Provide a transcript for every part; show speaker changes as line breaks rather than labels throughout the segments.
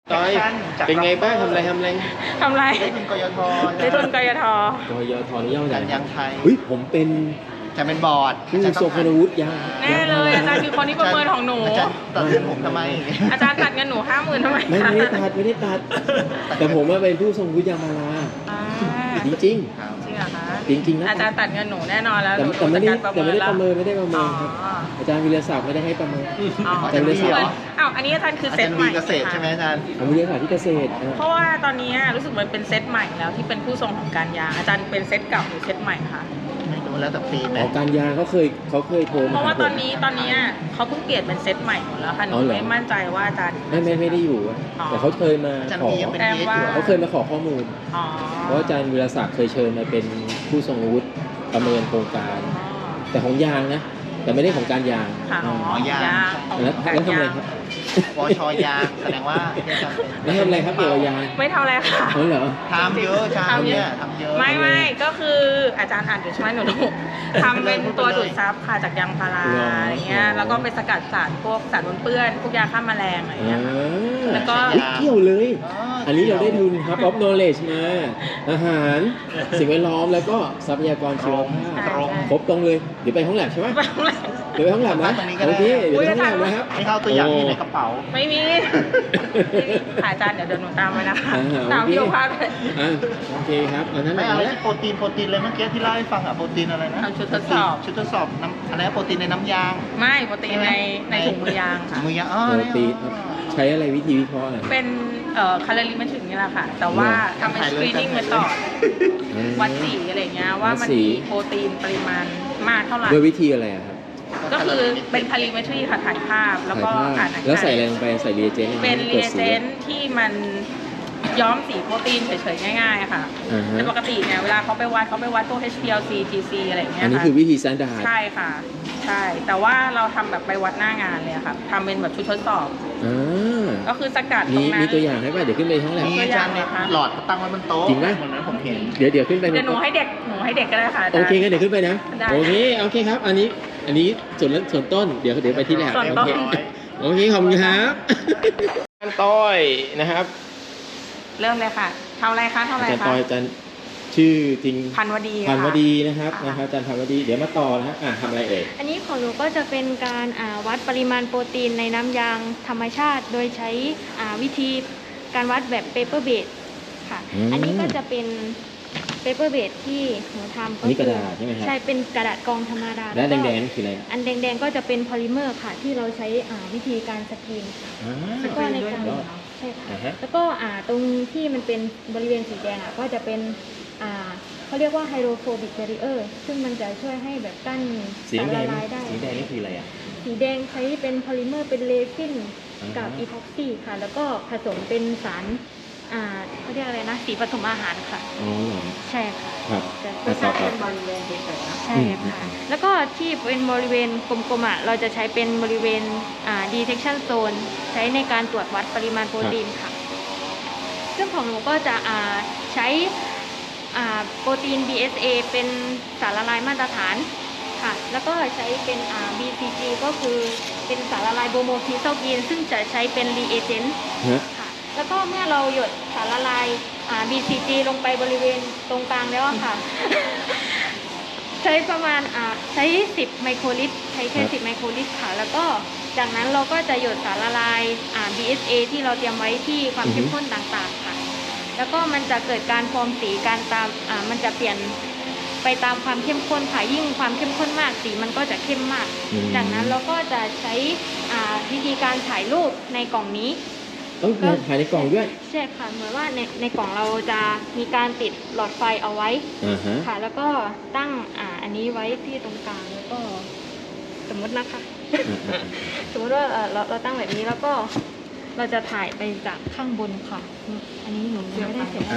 จอยเป็นไงบ้างทำอะไร
ได้ทุนกยท
กยทนี่ย่อมาจาก
การยางไทย
ผมเป็น
จะเป็นบอร์ด
ผู้ทรงคุณวุฒิยาง
แน่เลยอาจารย์คือคนที่ประเมินของหนู
อาจารย์ตัดเงินผมทำไม
อาจารย์ตัดเงินหนู50,000ทำไม
ไม่ได้ตัด แต่ผมว่าเป็นผู้ทรงวุฒิยางมาลาจริง
จริงเหรอคะ
จริงๆนะ
อาจารย์ตัดเงินหนูแน่นอนแล้ว
แต่ไม่ได้ประเมินครับ
อ๋อ
อาจารย์วิทยาศาสตร์ไม่ได้ให้ประเมิน
อ๋อ
อาจารย์วิทยาศาสตร์
อ้าวอันนี้อาจารย์คือ
อา
เซ
จา
ต
รย์
ให
มี
ม่
เกษตรใช่ไหมอาจารย์
วิทยาศาสตร์ที่เกษตร
เพราะว่าตอนนี้รู้สึกมันเป็นเซตใหม่แล้วที่เป็นผู้ทรงของการยางอาจารย์เป็นเซตเก่าหรือเซตใหม่คะ
ไม่รู้แล้วแต่ปีไหม
การยางเขาเคยโทรมา
เพราะว่าตอนนี้เขาเพิ่งเปลี่ยนเป็นเซตใหม่หมดแล้วค่ะหนูไม่มั่นใจว่าอาจารย์
ไม่ได้อยู่แต่เขาเคยมา
อาจารย์
ขอ
มียังเป็นเอสอยู่
เขาเคยมาขอข้อมูล
อ๋อ
เพราะอาจารย์วิทยาศาสตร์เคยเชิญมาเป็นผู้ทรงวุฒิประเมินโครงการ แต่ของยางนะ แต่ไม่ได้ของการยาง
ค่ะอ๋อยางของ
แล้ว
การ
ทำอะไร
ยาง
ครับ
วชยางแสดงว่าที่อาจารย์เป็น
แล้วทำอะไรครับเกี่ยวกับยาง
ไม่เท่าไรค่ะ
เหรอ
ทำเยอะอาจารย์เนี่ยทำเยอะ
ไม่ก็คืออาจารย์อ่านอยู่ใช่ไหมหนูทำเป็นตัวดูดซับค่ะจากยางพาราอะไรเงี้ยแล้วก็ไปสกัดสารพวกสารปนเปื้อนพวกยาฆ่าแมลงอะไรเงี้ย แล้วก็
เกี่ยวเลย อันนี้เราได้ทุนครับ of knowledge มา อาหาร สิ่งแวดล้อมแล้วก็ทรัพยากรชีวภาพ
ตรง
ครบตรงเลย เดี๋ยวไปห้องแลบใช่ไหม
ไปห้องแลบ
เดี๋ยวไปห้องแลบนะ
ตรงนี้ก็ได้
โอเคเดี๋ยวไปห้องแลบนะครับ
ไม่เข้าตัวอย่างที่ในกระเป๋า
ไม่มีค่ะอาจารย์เดี๋ยวหนูตามไปนะคะ
อ่า
ตาม
โอเค
พี่โอภาสไป
โอเคครับอันนั้น
ไม่
เอา
เอา
ละ
ที่โปรตีนเลยเมื่อกี้ที่เล่าให้ฟังอะโปรตีนอะไรนะ
ทำชุดทดสอบ
ชุดทดสอบน้ำอะไรนะโปรตีนในน้ำยาง
ไม่ปกติในถุงมือยางค่ะ
มือยางอ๋อ
โปร
เนี่ย
ตีนครับใช้อะไรวิธีวิเคราะห์อะไร
เป็นแคลอรี่มันถึงนี่แหละค่ะ แต่ว่าทำเป็นสกรีนนิ่งมาต่อวัดสีอะไรเงี้ยว่ามันมีโปรตีนปริมาณมากเท่าไหร่
ด้วยวิธีอะไรอะครับ
ก็คือเป็นคาลิเมตรีค่ะถ่ายภาพแล้วก็
ถ่ายภา
อ่า
พ
นอากาศ
แล้วใส่อะไรลงไปใส่รีเอเจนต์
เป็นรีเอเจนต์ที่มันย้อมสีโปรตีนเฉยๆง่ายๆอะค่ะ
อ่าฮะ
แต่ปกติเนี่ยเวลาเขาไปวัดพวก HPLC GC อะไรอย่างเงี้ย
อันนี้
ค่ะ
คือวิธี standard
ใช่ค่ะใช่แต่ว่าเราทำแบบไปวัดหน้างานเลยอะค่ะทำเป็นแบบชุดทดสอบ
อ่า
ก็คือสกัดตรงนั้น
มีตัวอย่างให้ป่ะเดี๋ยวขึ้นไปห้องแลบ
มีอาจารย์เนี่ยหลอดตั้งไว้บนโต๊ะ
จริงไหม
เหมือนนั้นผมเห็น
เดี๋ยวขึ้นไป
เดี๋ยวหนูให้เด็กก็ได้ค่ะาจารย์
โอเคงั้นเดี๋ยวขึ้นไปนะ
ได้
โอเคครับ อันนี้ส่วนต้นเดี๋ยวไปที่แลบ
ส่วนต้น
โอเคขอบคุณครับอาจารย์ต้อยนะครับ
เริ่มเลยค่ะทำอะไรคะ
อาจารย์ต้อยอาจารย์ชื่อจริง
พันวดี
พันว
ค่ะ
ดีนะครับ
ค่ะ
อาจารย์พันวดีเดี๋ยวมาต่อนะครับทำอะไรเอ่ย
อันนี้ของหนูก็จะเป็นการวัดปริมาณโปรตีนในน้ำยางธรรมชาติ โดยใช้วิธีการวัดแบบเปเปอร์เบดค่ะ อันนี้ก็จะเป็นเปเปอร์เบดที่หนูทำ
อันนี้กระดาษใช่ไหมครับ
ใช่เป็นกระดาษกรองธรรมดา
และ
ก็
แดงๆนี่คืออะไร
อันแดงๆก็จะเป็นพอลิเมอร์ค่ะ ที่เราใช้วิธีการสกรีนค่ะ
อ่า
แล้วก็ในการ
ยอด
ใช่ค่ะ
อ่าฮะ
แล้วก็ตรงที่มันเป็นบริเวณสีแดงก็จะเป็นเขาเรียกว่าไฮโดรโฟบิกแบรีเออร์ซึ่งมันจะช่วยให้แบบกั้น
สี
สาร
แด
ละ
ง
ลายได้
สีแดงนี่คืออะไรอ่ะ
สีแดงใช้เป็นพอลิเมอร์เป็นเรซิน
อ่า
กับอีพ็อกซี่ค่ะ แล้วก็ผสมเป็นสารเขาเรียกอะไรนะสีผสมอาหารค่ะ
อ๋อเหรอ
ใช่ค่ะ
ครับ
จะ
อ่ะต่อ
เป็นบริเวณเฉยๆใช่ค่ะ แล้วก็ที่เป็นบริเวณกลมๆเราจะใช้เป็นบริเวณdetection zone ใช้ในการตรวจวัดปริมาณโปรตีนค่ะ ซึ่งของหนูก็จะใช้โปรตีน BSA เป็นสารละลายมาตรฐานค่ะ แล้วก็ใช้เป็น BCG ก็คือเป็นสารละลายโบโมคีโซกีนซึ่งจะใช้เป็น reagent
ฮะ
ค่ะ แล้วก็เมื่อเราหยดสารละลายBCG ลงไปบริเวณตรงกลางแล้วอะค่ะ ใช้ประมาณใช้10ไมโครลิตรใช้แค่10ไมโครลิตรค่ะ แล้วก็จากนั้นเราก็จะหยดสารละลาย BSA ที่เราเตรียมไว้ที่ความเข้มข้นต่างๆค่ะ แล้วก็มันจะเกิดการฟอร์มสีการตามมันจะเปลี่ยนไปตามความเข้มข้นค่ะยิ่งความเข้มข้นมากสีมันก็จะเข้มมาก จากนั้นเราก็จะใช้วิธีการถ่ายรูปในกล่องนี้
ต้องถ่ายในกล่องด้วย
ใช่ค่ะเหมือนว่าในกล่องเราจะมีการติดหลอดไฟเอาไว้
อ่าฮะ
ค่ะ แล้วก็ตั้งอันนี้ไว้ที่ตรงกลางแล้วก็สมมตินะคะ สมมติว่าเราตั้งแบบนี้แล้วก็เราจะถ่ายไปจากข้างบนค่ะ อันนี้หนูไม่ได้เสร็จ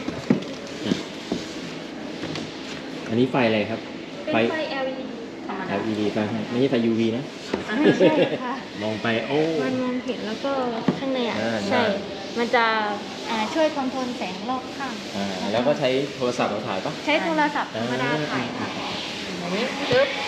อันนี้ไฟอะไรครับ
เป็นไฟ LED ธรรมดา
LED ไฟไม่ใช่ไฟ UV นะ
ใช่ค่ะ
มองไปโอ้
มันมองเห็นแล้วก็ข้างใน
อ่า
ใช่ มันจะช่วยคอนโทรลแสงรอบข้าง
แล้วก็ใช้โทรศัพท์เราถ่ายปะ
ใช้โทรศัพท์ธรรมดาถ่ายค่ะ
อันนี้ปึ๊บ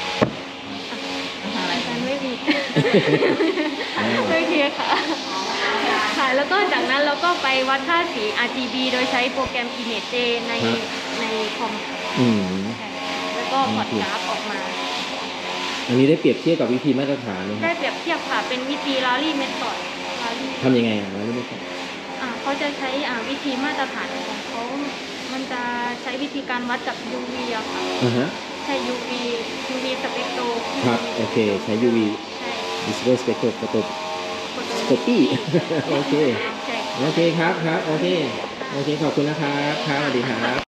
อาจารย์ไม่มี ไม่เทียค่ะค่ะ แล้วก็จากนั้นเราก็ไปวัดค่าสี RGB โดยใช้โปรแกรม Image ใน
ครับ
ในคอมค่ะ
อืม
ใช่แล้วก็พอร์ตกราฟออกมา
อันนี้ได้เปรียบเทียบกับวิธีมาตรฐานไหมค
ได้
รับ
เปรียบเทียบค่ะ เป็นวิธี Rally Method Rally
ทำยังไงอ่ะเราไม่รู้ครับ
เขาจะใช้วิธีมาตรฐานของเขา มันจะใช้วิธีการวัดจาก UV อะค่ะ
ฮะ
ใช่ UV สเปกโต
ครับ โอเค ใช้ UV
ใช่
Visible Spectroscopy
โฟโต
โอเค
ใช่
โอเคครับ ครับ โอเค โอเค ขอบคุณนะครับ ครับ สวัสดีครับ